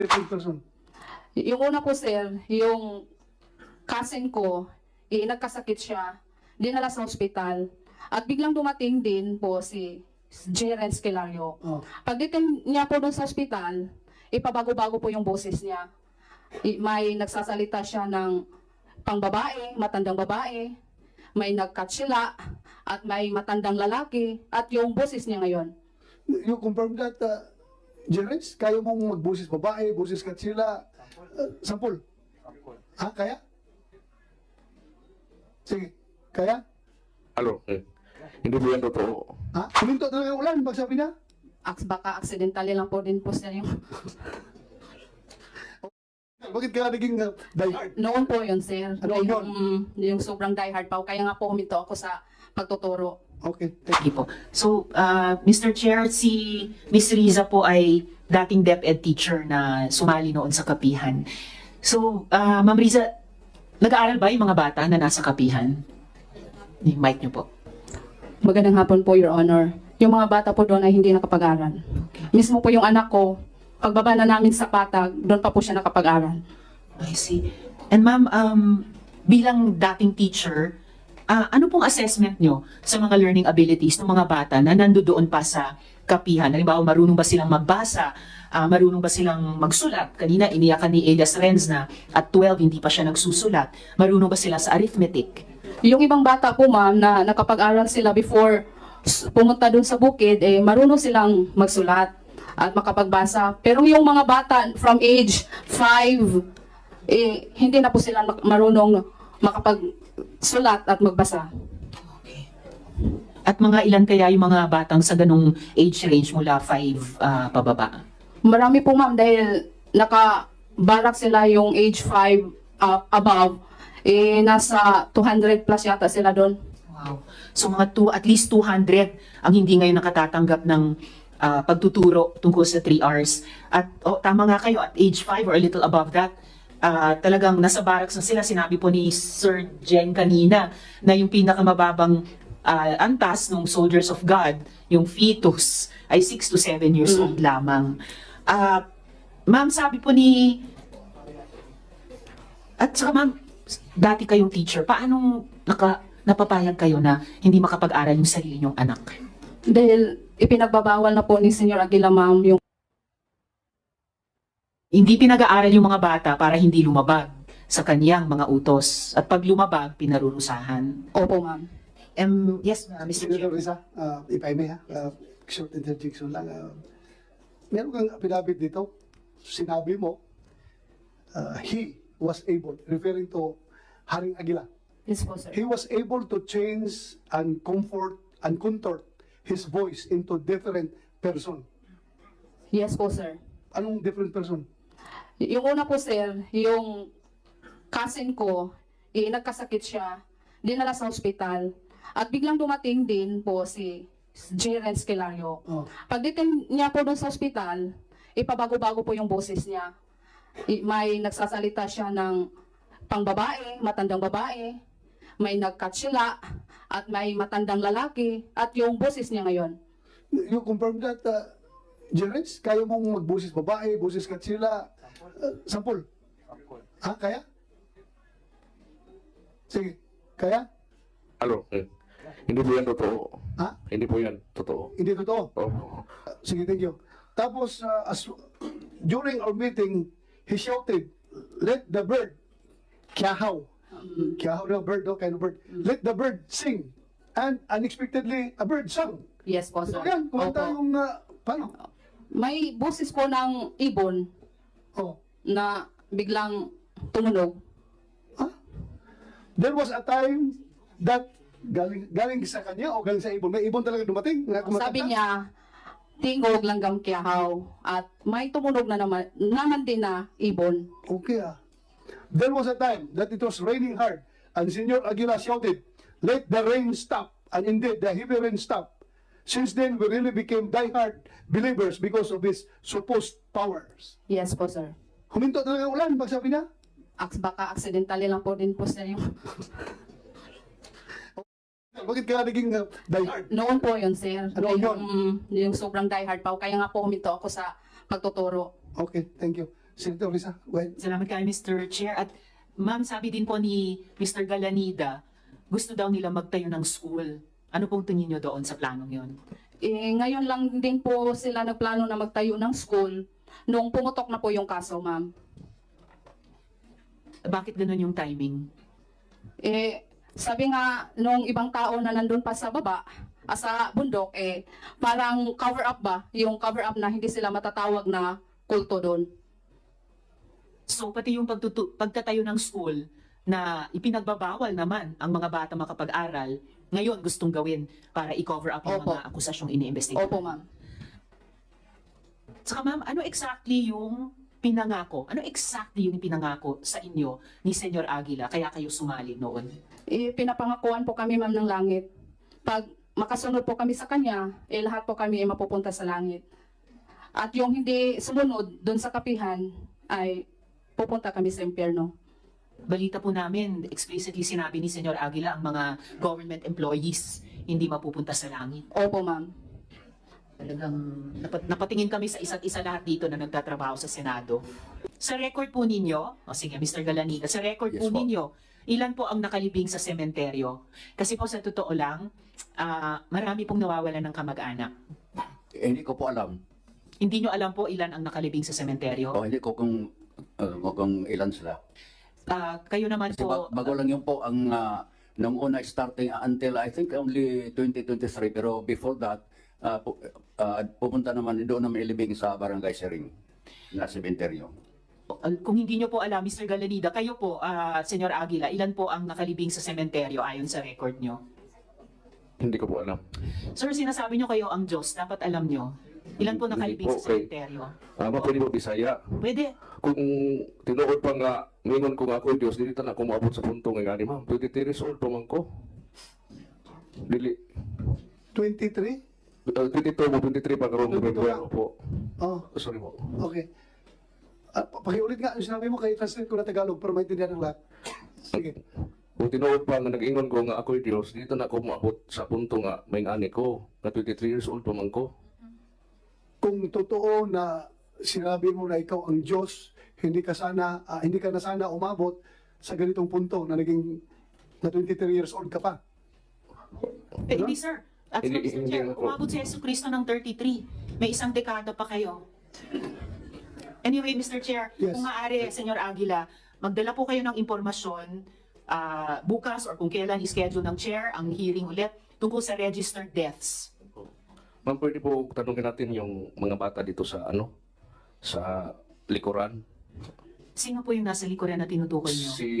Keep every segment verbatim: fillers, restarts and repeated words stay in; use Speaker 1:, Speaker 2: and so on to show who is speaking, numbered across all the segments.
Speaker 1: different person.
Speaker 2: Yung una po, sir, yung cousin ko, eh, nagkasakit siya, dinala sa ospital, at biglang dumating din po si Jeren Skelario.
Speaker 1: Oh.
Speaker 2: Pagdating niya po doon sa ospital, ipabago-bago po yung boses niya. I- May nagsasalita siya ng pangbabae, matandang babae, may nagkatsila, at may matandang lalaki, at yung boses niya ngayon.
Speaker 1: You confirm that, uh, Jerez, kaya mong magbusis babae, busis katsila, uh, sampol? Ha, kaya? Sige, kaya?
Speaker 3: Ano? Eh, hindi po yan totoo.
Speaker 1: Ha? Kuminto talaga ang ulan, magsabi niya?
Speaker 2: Aks, baka accidentally lang po din po sir yung...
Speaker 1: Bakit ka naging uh, diehard?
Speaker 2: Noon po yun, sir.
Speaker 1: Ano
Speaker 2: yung,
Speaker 1: yun?
Speaker 2: yung sobrang diehard pa. Kaya nga po huminto ako sa pagtuturo.
Speaker 1: Okay, thank
Speaker 4: Sige po. So, uh, Mister Chair, si Miss Riza po ay dating DepEd teacher na sumali noon sa Kapihan. So, uh, Ma'am Riza, nag-aaral ba yung mga bata na nasa Kapihan? Yung mic niyo po.
Speaker 2: Magandang hapon po, Your Honor. Yung mga bata po doon ay hindi nakapag-aral. Mismo po yung anak ko, pagbaba na namin sa patag, doon pa po siya nakapag-aral.
Speaker 4: I see. And ma'am, um, bilang dating teacher, ah, ano pong assessment nyo sa mga learning abilities ng mga bata na nandoon pa sa Kapihan? Halimbawa, marunong ba silang magbasa? Ah, marunong ba silang magsulat? Kanina, iniyakan ni Elias Renz na at twelve, hindi pa siya nagsusulat. Marunong ba sila sa arithmetic?
Speaker 2: Yung ibang bata po, ma'am, na nakapag-aral sila before s- pumunta doon sa bukid, eh, marunong silang magsulat at makapagbasa. Pero yung mga bata from age five, eh, hindi na po sila mak- marunong makapagsulat at magbasa.
Speaker 4: Okay. At mga ilan kaya yung mga batang sa ganong age range mula five ah, pababa?
Speaker 2: Marami po, ma'am, dahil nakabarak sila yung age five uh, above, eh, nasa two hundred plus yata sila doon.
Speaker 4: Wow. So mga two, at least two hundred ang hindi ngayon nakatatanggap ng ah, pagtuturo tungkol sa three R's. At oh, tama nga kayo, at age five or a little above that, ah, talagang nasa barracks na sila. Sinabi po ni Sir Jen kanina na yung pinakamababang ah, antas ng Soldiers of God, yung fetus, ay six to seven years old lamang. Ah, ma'am, sabi po ni... At saka ma'am, dati kayong teacher, paano naka, napapayag kayo na hindi makapag-aral yung sarili niyong anak?
Speaker 2: Dahil ipinagbabawal na po ni Senyor Aguila, ma'am, yung
Speaker 4: Hindi pinag-aaral yung mga bata para hindi lumabag sa kaniyang mga utos. At pag lumabag, pinarurusahan.
Speaker 2: opo, ma'am.
Speaker 4: Um, yes, uh, Mister
Speaker 1: Senator
Speaker 4: Chair.
Speaker 1: Risa, uh, if I may, ha, uh, short interjection lang. Uh, meron kang pinabit dito, sinabi mo, uh, he was able, referring to Haring Aguila,
Speaker 2: Yes po, sir.
Speaker 1: he was able to change and comfort and contort his voice into different person.
Speaker 2: Yes po, sir.
Speaker 1: Anong different person?
Speaker 2: Yung una po, sir, yung cousin ko, eh, nagkasakit siya, dinala sa ospital, at biglang dumating din po si Jeren Skelario.
Speaker 1: Oh.
Speaker 2: Pagdating niya po doon sa ospital, ipabago-bago po yung boses niya. I- May nagsasalita siya ng pangbabae, matandang babae, may nagkatsila, at may matandang lalaki, at yung boses niya ngayon.
Speaker 1: You confirm that, uh, Jerez, kaya mong magbusis babae, busis katsila, uh, sampol? Ha, kaya? Sige, kaya?
Speaker 3: Ano? Eh, hindi po yan totoo.
Speaker 1: Ha?
Speaker 3: Hindi po yan totoo.
Speaker 1: Hindi totoo.
Speaker 3: Oh.
Speaker 1: Uh, sige, thank you. Tapos, uh, as, during our meeting, he shouted, let the bird, kiahaw. Kiahaw na bird, no? Kind of bird. Let the bird sing. And unexpectedly, a bird sang.
Speaker 2: Yes po,
Speaker 1: So
Speaker 2: sir.
Speaker 1: yan, kumanta
Speaker 2: Opo.
Speaker 1: yung, uh, paano?
Speaker 2: May boses po ng ibon
Speaker 1: Oh.
Speaker 2: na biglang tumunog.
Speaker 1: Huh? There was a time that galing, galing sa kanya o galing sa ibon. May ibon talaga dumating. Na kumakanta?
Speaker 2: Sabi niya, tingog langgam kiyahaw. At may tumunog na naman, naman din na ibon.
Speaker 1: Okay ah. There was a time that it was raining hard and Senor Aguila shouted, let the rain stop. And indeed, the heavy rain stopped. Since then, we really became diehard believers because of his supposed powers.
Speaker 2: Yes po, sir.
Speaker 1: Huminto talaga ang ulan, pagsabi niya.
Speaker 2: Aks, baka accidentally lang po din po, sir. Yung...
Speaker 1: Bakit ka naging uh, diehard?
Speaker 2: Noon po yun, sir.
Speaker 1: Ano
Speaker 2: yung,
Speaker 1: yun?
Speaker 2: yung sobrang diehard pa. Kaya nga po huminto ako sa pagtuturo.
Speaker 1: Okay, thank you. Senator Risa, go ahead.
Speaker 4: Salamat kayo, Mister Chair. At ma'am, sabi din po ni Mister Galanida, gusto daw nila magtayo ng school. Ano pong tingin nyo doon sa planong yon?
Speaker 2: Eh, ngayon lang din po sila nagplano na magtayo ng school nung pumutok na po yung kaso, ma'am.
Speaker 4: Bakit ganun yung timing?
Speaker 2: Eh, sabi nga nung ibang tao na nandun pa sa baba, ah, sa bundok, eh, parang cover up ba? Yung cover up na hindi sila matatawag na kulto doon.
Speaker 4: So pati yung pagtutu- pagtatayo ng school na ipinagbabawal naman ang mga bata makapag-aral, ngayon gustong gawin para i-cover up yung
Speaker 2: Opo.
Speaker 4: mga akusasyong iniimbestigahan.
Speaker 2: Opo, ma'am.
Speaker 4: Saka ma'am, ano exactly yung pinangako? Ano exactly yung pinangako sa inyo ni Senyor Aguila kaya kayo sumali noon?
Speaker 2: Eh, pinapangakuan po kami, ma'am, ng langit. Pag makasunod po kami sa kanya, eh, lahat po kami ay mapupunta sa langit. At yung hindi sumunod doon sa kapihan, ay pupunta kami sa impyerno.
Speaker 4: Balita po namin, explicitly sinabi ni Senyor Aguila ang mga government employees hindi mapupunta sa langit.
Speaker 2: Opo, ma'am.
Speaker 4: Talagang napat, napatingin kami sa isa't isa lahat dito na nagtatrabaho sa Senado. Sa record po ninyo, o sige, Mister Galanida, sa record
Speaker 3: Yes
Speaker 4: po
Speaker 3: po.
Speaker 4: ninyo, ilan po ang nakalibing sa sementeryo? Kasi po sa totoo lang, ah, marami pong nawawalan ng kamag-anak.
Speaker 5: Eh, hindi ko po alam.
Speaker 4: Hindi nyo alam po ilan ang nakalibing sa sementeryo?
Speaker 5: O hindi ko kung, uh, kung ilan sila.
Speaker 4: Ah, kayo naman
Speaker 5: Kasi
Speaker 4: po,
Speaker 5: ba- bago lang yun po ang uh, nung una starting until I think only twenty twenty-three, pero before that, uh, pu- uh, pupunta naman doon naman ilibing sa Barangay Sering na sementeryo.
Speaker 4: ah, kung hindi nyo po alam, Mister Galanida, kayo po, ah, Senyor Aguila, ilan po ang nakalibing sa sementeryo ayon sa record nyo?
Speaker 3: Hindi ko po alam.
Speaker 4: Sir, sinasabi nyo kayo ang Diyos, dapat alam nyo. Ilan po
Speaker 3: Hindi
Speaker 4: nakalibing
Speaker 3: po,
Speaker 4: sa
Speaker 3: kay-
Speaker 4: sementeryo?
Speaker 3: Ah, uh, pwede po Bisaya.
Speaker 4: Pwede.
Speaker 3: Kung tinuod pa nga, mingon ko nga ako, Diyos, dili ta na ako maabot sa punto nga ni ma'am. twenty-three years old pa man ko. Dili.
Speaker 1: twenty-three?
Speaker 3: Uh, twenty-two mo, twenty-three pa karoon
Speaker 1: twenty-two
Speaker 3: February
Speaker 1: lang.
Speaker 3: po.
Speaker 1: Oh,
Speaker 3: Sorry po.
Speaker 1: okay. Ah, pa- pakiulit nga yung sinabi mo, kay translate ko na Tagalog para maintindihan ng lahat. Sige.
Speaker 3: Kung tinuod pa nga nag-ingon ko nga ako Diyos, dito na ako maabot sa punto nga may ani ko. Na twenty-three years old pa man ko.
Speaker 1: Kung totoo na sinabi mo na ikaw ang Diyos, hindi ka sana, ah, hindi ka na sana umabot sa ganitong punto na naging na twenty-three years old ka pa.
Speaker 4: Eh, hindi, sir. At
Speaker 3: Hindi-
Speaker 4: Mister
Speaker 3: hindi
Speaker 4: Chair,
Speaker 3: ako.
Speaker 4: umabot si Yesu Cristo ng thirty-three. May isang dekada pa kayo. Anyway, Mister Chair,
Speaker 1: Yes.
Speaker 4: kung maaari, Senyor Aguila, magdala po kayo ng impormasyon ah, bukas or kung kailan i-schedule ng chair ang hearing ulit tungkol sa registered deaths.
Speaker 3: Ma'am, pwede po tanungin natin yung mga bata dito sa ano? Sa likuran.
Speaker 4: Sino po yung nasa likuran na tinutukoy nyo?
Speaker 3: Si...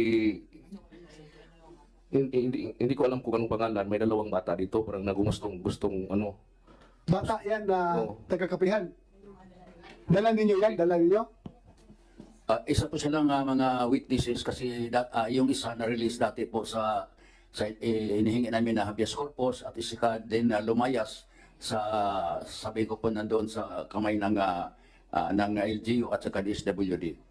Speaker 3: Hindi, hindi, hindi ko alam kung anong pangalan. May dalawang bata dito. Parang nagumustong gustong ano.
Speaker 1: Bata yan na
Speaker 3: Oo.
Speaker 1: taga-kapihan. Dala ninyo yan? Dala ninyo?
Speaker 5: Uh, isa po silang uh, mga witnesses kasi da- uh, yung isa na-release dati po sa, sa eh, inihingi namin na habeas corpus at isa din na lumayas sa sabi ko po nandoon sa kamay ng uh, uh, ng L G U at saka D S W D.